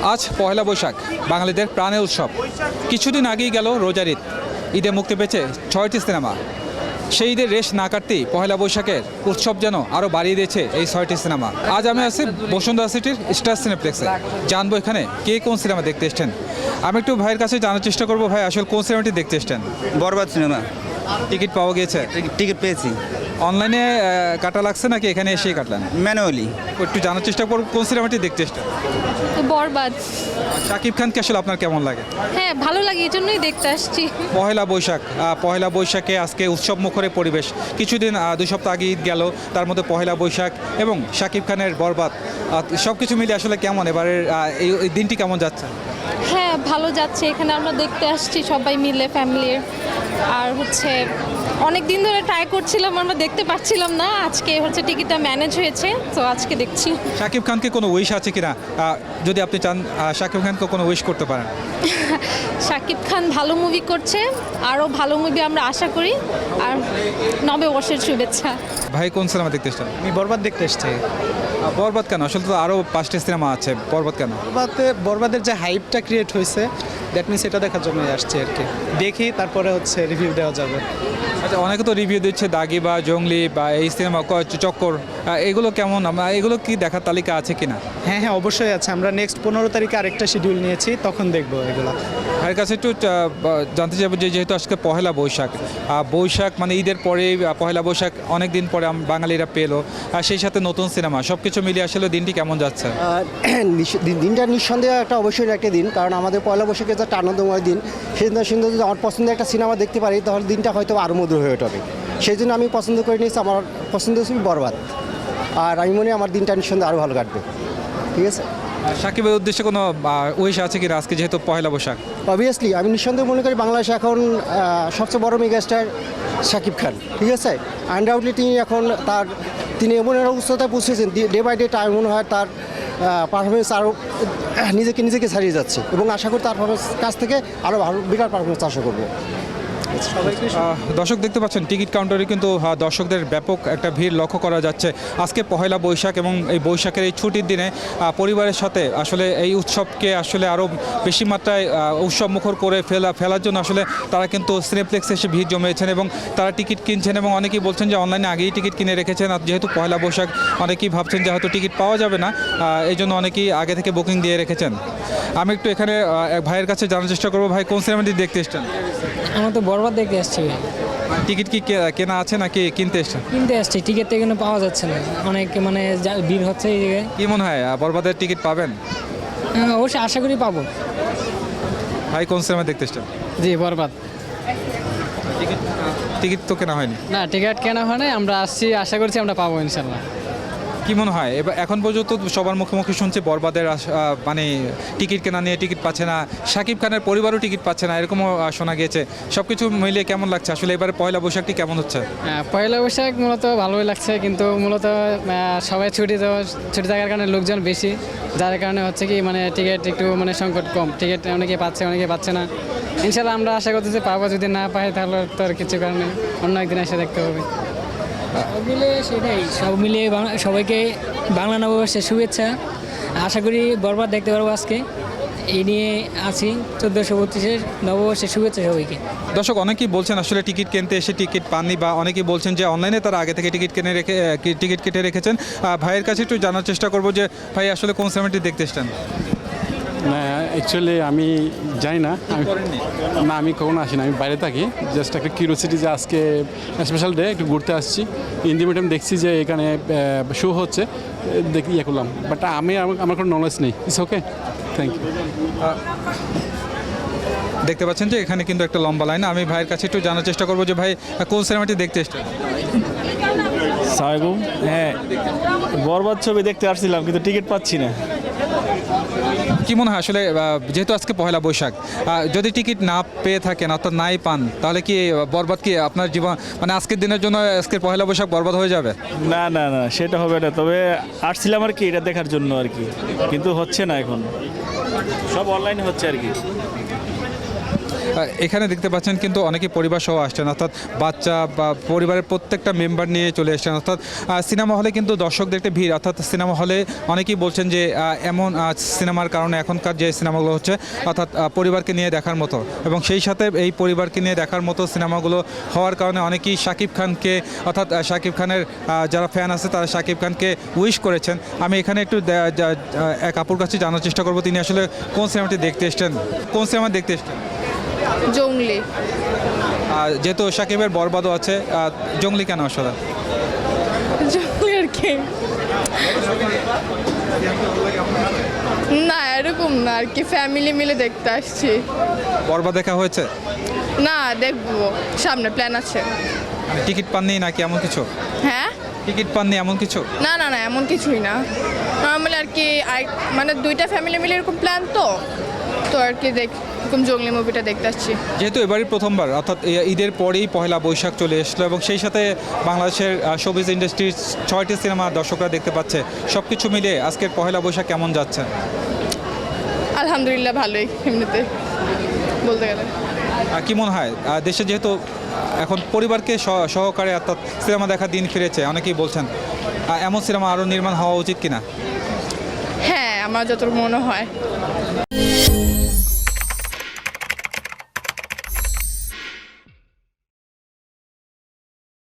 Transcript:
আজ পহেলা বৈশাখ, বাঙালিদের প্রাণের উৎসব। কিছুদিন আগেই গেল রোজার ঈদ। ঈদে মুক্তি পেয়েছে 6টি সিনেমা। সেই ঈদের রেশ না কাটতেই পহেলা বৈশাখের উৎসব যেন আরও বাড়িয়ে দিয়েছে এই 6টি সিনেমা। আজ আমি আছি বসুন্ধরা সিটির স্টার সিনেপ্লেক্সে। জানবো এখানে কে কোন সিনেমা দেখতে এসছেন। আমি একটু ভাইয়ের কাছে জানার চেষ্টা করবো, ভাই আসলে কোন সিনেমাটি দেখতে এসছেন? বরবাদ সিনেমা। টিকিট পাওয়া গিয়েছে? টিকিট পেয়েছি। অনলাইনে কাটা লাগছে নাকি এখানে এসেই কাটলেন? ম্যানুয়ালি। একটু জানার চেষ্টা করবো কোন সিনেমাটি দেখতে এসছেন। বরবাদ। শাকিব খানকে আসলে আপনার কেমন লাগে? হ্যাঁ, ভালো লাগে, এই জন্যই দেখতে আসছি। পহেলা বৈশাখ, পহেলা বৈশাখে আজকে উৎসব মুখরে পরিবেশ। কিছুদিন 2 সপ্তাহ আগে ঈদ গেল, তার মধ্যে পহেলা বৈশাখ এবং শাকিব খানের বরবাদ, সব কিছু মিলে আসলে কেমন এবারের এই দিনটি কেমন যাচ্ছে? হ্যাঁ, ভালো যাচ্ছে। এখানে আমরা দেখতে আসছি সবাই মিলে, ফ্যামিলির। আর অনেক দিন ধরে ট্রাই করছিলাম, আমরা দেখতে পাচ্ছিলাম না। আজকে টিকিটটা ম্যানেজ হয়েছে, তো আজকে দেখছি। শাকিব খানকে কোনো উইশ আছে কিনা, যদি আপনি চান শাকিব খানকে কোনো উইশ করতে পারেন? শাকিব খান ভালো মুভি করছে, আরও ভালো মুভি আমরা আশা করি। আর নববর্ষের শুভেচ্ছা। ভাই কোন সিনেমা দেখতে এসছেন? আমি বরবাদ দেখতে এসেছি। বরবাদ কেন? আসলে তো আরও 5টি সিনেমা আছে, বরবাদ কেন? বরবাদের যে হাইপটা ক্রিয়েট হয়েছে, দ্যাট মিনস এটা দেখার জন্যই আসছি আর কি। দেখি তারপরে রিভিউ দেওয়া যাবে। আচ্ছা, অনেকে তো রিভিউ দিচ্ছে দাগি বা জঙ্গলি বা এই সিনেমা চক্কর, এগুলো কেমন? এগুলো কি দেখার তালিকা আছে কিনা? হ্যাঁ হ্যাঁ, অবশ্যই আছে। আমরা নেক্সট 15 তারিখে আরেকটা শিডিউল নিয়েছি, তখন দেখবো এগুলো। ভাইয়ের কাছে একটু জানতে চাইবো যে যেহেতু আজকে পহেলা বৈশাখ, বৈশাখ মানে ঈদের পরে পহেলা বৈশাখ অনেক দিন পরে বাঙালিরা পেলো, আর সেই সাথে নতুন সিনেমা, সব কিছু মিলিয়ে আসলে দিনটি কেমন যাচ্ছে? দিনটা নিঃসন্দেহে একটা অবশ্যই একটা দিন, কারণ আমাদের পয়লা বৈশাখের যে একটা আনন্দময় দিন, সেই দিনটা সুন্দর যদি আমার পছন্দের একটা সিনেমা দেখতে পারি, তাহলে দিনটা হয়তো আরও মধুর হয়ে ওঠে। সেই জন্য আমি পছন্দ করে নিয়েছি, আমার পছন্দ হচ্ছে বরবাদ। আর আমি মনে হয় আমার দিনটা নিঃসন্দেহে আরও ভালো কাটবে। ঠিক আছে। সাকিবের উদ্দেশ্যে কোনো উইশ আছে কিনা আজকে যেহেতু পহেলা বৈশাখ? অবভিয়াসলি আমি নিঃসন্দেহে মনে করি বাংলাদেশে এখন সবচেয়ে বড় মেগাস্টার শাকিব খান। ঠিক আছে। আনডাউটলি তিনি এমন একটা উচ্চতায় পৌঁছেছেন, ডে বাই ডে টাইম মনে হয় তার পারফরমেন্স আরও নিজেকে ছাড়িয়ে যাচ্ছে, এবং আশা করি তার কাছ থেকে আরও ভালো বিরাট পারফরমেন্স আশা করবো। দর্শক দেখতে পাচ্ছেন টিকিট কাউন্টারে কিন্তু দর্শকদের ব্যাপক একটা ভিড় লক্ষ্য করা যাচ্ছে। আজকে পহেলা বৈশাখ এবং এই বৈশাখের এই ছুটির দিনে পরিবারের সাথে আসলে এই উৎসবকে আসলে আরও বেশি মাত্রায় উৎসব মুখর করে ফেলার জন্য আসলে তারা কিন্তু সিনেপ্লেক্সে এসে ভিড় জমিয়েছেন এবং তারা টিকিট কিনছেন, এবং অনেকেই বলছেন যে অনলাইনে আগেই টিকিট কিনে রেখেছেন। আর যেহেতু পহেলা বৈশাখ অনেকেই ভাবছেন যে হয়তো টিকিট পাওয়া যাবে না, এই জন্য অনেকেই আগে থেকে বুকিং দিয়ে রেখেছেন। আমি একটু এখানে এক ভাইয়ের কাছে জানার চেষ্টা করবো, ভাই কোন সিনেমাটি দেখতে এসছেন? আমরা তো বরবাদ দেখতে আসছি। টিকিট কি কেনা আছে নাকি কিনতে এসছেন? কিনতে আসছি, টিকিট তো এখানে পাওয়া যাচ্ছে না, অনেক ভিড় হচ্ছে এই জায়গায়। কি মনে হয় বরবাদের টিকিট পাবেন? অবশ্যই আশা করি পাবো। ভাই কোন সিনেমা দেখতে এসছেন? জি, বরবাদ। টিকিট তো কেনা হয়নি? না, টিকিট কেনা হয় না, আমরা আসছি, আশা করছি আমরা পাবো ইনশাল্লাহ। কি মনে হয় এবার এখন পর্যন্ত সবার মুখে শুনছে বরবাদের মানে টিকিট কেনা নিয়ে টিকিট পাচ্ছে না, শাকিব খানের পরিবারও টিকিট পাচ্ছে না, এরকমও শোনা গিয়েছে। সব কিছু মিলিয়ে কেমন লাগছে আসলে এবারে পয়লা বৈশাখটি কেমন হচ্ছে? পয়লা বৈশাখ মূলত ভালোই লাগছে, কিন্তু মূলত সবাই ছুটি থাকার কারণে লোকজন বেশি, যার কারণে হচ্ছে কি টিকিট একটু সংকট কম। টিকিট অনেকে পাচ্ছে না। ইনশাল্লাহ আমরা আশা করতেছি পাবো, যদি না পাই তাহলে তো আর কিছু কারণে অন্য একদিন এসে দেখতে হবে। সব মিলিয়ে সবাইকে বাংলা নববর্ষের শুভেচ্ছা। আশা করি বরবাদ দেখতে পারবো আজকে, এই নিয়ে আছি। 1432 নববর্ষের শুভেচ্ছা সবাইকে। দর্শক অনেকেই বলছেন আসলে টিকিট কিনতে এসে টিকিট পাননি, বা অনেকেই বলছেন যে অনলাইনে তারা আগে থেকে টিকিট কেটে রেখেছেন। ভাইয়ের কাছে একটু জানার চেষ্টা করবো যে ভাই আসলে কোন সিনেমাটি দেখতে এসছেন? না, অ্যাকচুয়ালি আমি জানি না, আমি কখনো আসি না, আমি বাইরে থাকি। জাস্ট একটা কিউরিওসিটি যে আজকে স্পেশাল ডে, একটু ঘুরতে আসছি। ইন্ডি মিডিয়াম দেখছি যে এখানে শো হচ্ছে, দেখি করলাম, বাট আমার কোনো নলেজ নেই। It's okay, thank you. দেখতে পাচ্ছেন যে এখানে কিন্তু একটা লম্বা লাইন। আমি ভাইয়ের কাছে একটু জানার চেষ্টা করবো যে ভাই কোন সিনেমাটি দেখতে এসছেন? সালামালাইকুম। হ্যাঁ, বরবাদ ছবি দেখতে আসছিলাম, কিন্তু টিকিট পাচ্ছি না। কি মনে হয় আসলে যেহেতু আজকে পহেলা বৈশাখ, যদি টিকিট না পেয়ে থাকেন অর্থাৎ নাই পান, তাহলে কি বরবাদ কি আপনার জীবন আজকের দিনের জন্য আজকের পহেলা বৈশাখ বরবাদ হয়ে যাবে? না না না, সেটা হবে না। তবে আসছিলাম আর কি এটা দেখার জন্য আর কি, কিন্তু হচ্ছে না, এখন সব অনলাইনে হচ্ছে আর কি। এখানে দেখতে পাচ্ছেন কিন্তু অনেকে পরিবার সহ আসছেন, অর্থাৎ বাচ্চা বা পরিবারের প্রত্যেকটা মেম্বার নিয়ে চলে এসেছেন। অর্থাৎ সিনেমা হলে কিন্তু দর্শকদের একটা ভিড়, অর্থাৎ সিনেমা হলে অনেকেই বলছেন যে এমন সিনেমার কারণে এখনকার যে সিনেমাগুলো হচ্ছে অর্থাৎ পরিবারকে নিয়ে দেখার মতো, এবং সেই সাথে এই পরিবারকে নিয়ে দেখার মতো সিনেমাগুলো হওয়ার কারণে অনেকেই শাকিব খানকে অর্থাৎ শাকিব খানের যারা ফ্যান আছে তারা শাকিব খানকে উইশ করেছেন। আমি এখানে একটু এক আপুর কাছে জানার চেষ্টা করব তিনি আসলে কোন সিনেমাটি দেখতে এসছেন, কোন সিনেমা দেখতে এসছেন। জঙ্গলি। যেহেতু শাকিবের বরবাদও আছে, জঙ্গলি কেন আসলে? জঙ্গলি আর কি না, এরকম না আর কি, ফ্যামিলি মিলে দেখতে আসছি। বরবাদ দেখা হয়েছে? না, দেখবো সামনে, প্ল্যান আছে। টিকিট পাননি নাকি এমন কিছু? হ্যাঁ, টিকিট পাননি এমন কিছু? না না না, এমন কিছুই না, নর্মালি আর কি। মানে দুইটা ফ্যামিলি মিলে এরকম প্ল্যান তো আর কি এরকম জঙ্গলি মুভিটা দেখতে আসছি। যেহেতু এবারই প্রথমবার, অর্থাৎ ঈদের পরেই পহেলা বৈশাখ চলে এসলো এবং সেই সাথে বাংলাদেশের শোবিজ ইন্ডাস্ট্রির 6টি সিনেমা দর্শকরা দেখতে পাচ্ছে, সব কিছু মিলিয়ে আজকের পহেলা বৈশাখ কেমন যাচ্ছে? আলহামদুলিল্লাহ ভালোই, এমনিতে বলতে গেলে। কি মনে হয় দেশে যেহেতু এখন পরিবারকে সহকারে অর্থাৎ সিনেমা দেখার দিন ফিরেছে, অনেকেই বলছেন এমন সিনেমা আরও নির্মাণ হওয়া উচিত কিনা? হ্যাঁ, আমার যতটুকু মনে হয়।